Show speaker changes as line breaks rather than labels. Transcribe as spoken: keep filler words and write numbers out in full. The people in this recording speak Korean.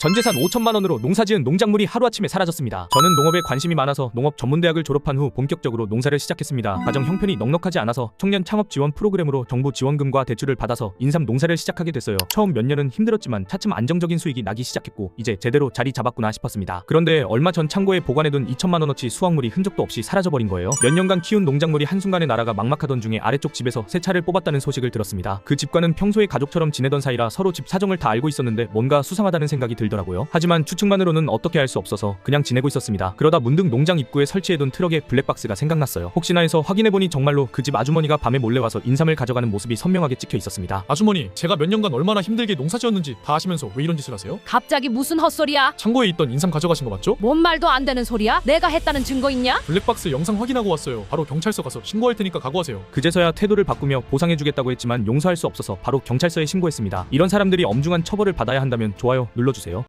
전재산 오천만 원으로 농사지은 농작물이 하루아침에 사라졌습니다. 저는 농업에 관심이 많아서 농업 전문대학을 졸업한 후 본격적으로 농사를 시작했습니다. 가정 형편이 넉넉하지 않아서 청년 창업 지원 프로그램으로 정부 지원금과 대출을 받아서 인삼 농사를 시작하게 됐어요. 처음 몇 년은 힘들었지만 차츰 안정적인 수익이 나기 시작했고 이제 제대로 자리 잡았구나 싶었습니다. 그런데 얼마 전 창고에 보관해둔 이천만 원어치 수확물이 흔적도 없이 사라져버린 거예요. 몇 년간 키운 농작물이 한순간에 날아가 막막하던 중에 아래쪽 집에서 새 차를 뽑았다는 소식을 들었습니다. 그 집과는 평소에 가족처럼 지내던 사이라 서로 집 사정을 다 알고 있었는데 뭔가 수상하다는 생각이 들더라고요. 하지만 추측만으로는 어떻게 할 수 없어서 그냥 지내고 있었습니다. 그러다 문득 농장 입구에 설치해둔 트럭에 블랙박스가 생각났어요. 혹시나 해서 확인해보니 정말로 그 집 아주머니가 밤에 몰래 와서 인삼을 가져가는 모습이 선명하게 찍혀 있었습니다.
아주머니, 제가 몇 년간 얼마나 힘들게 농사지었는지 다 아시면서 왜 이런 짓을 하세요?
갑자기 무슨 헛소리야?
창고에 있던 인삼 가져가신 거 맞죠?
뭔 말도 안 되는 소리야? 내가 했다는 증거 있냐?
블랙박스 영상 확인하고 왔어요. 바로 경찰서 가서 신고할 테니까 각오하세요.
그제서야 태도를 바꾸며 보상해주겠다고 했지만 용서할 수 없어서 바로 경찰서에 신고했습니다. 이런 사람들이 엄중한 처벌을 받아야 한다면 좋아요 눌러주세요.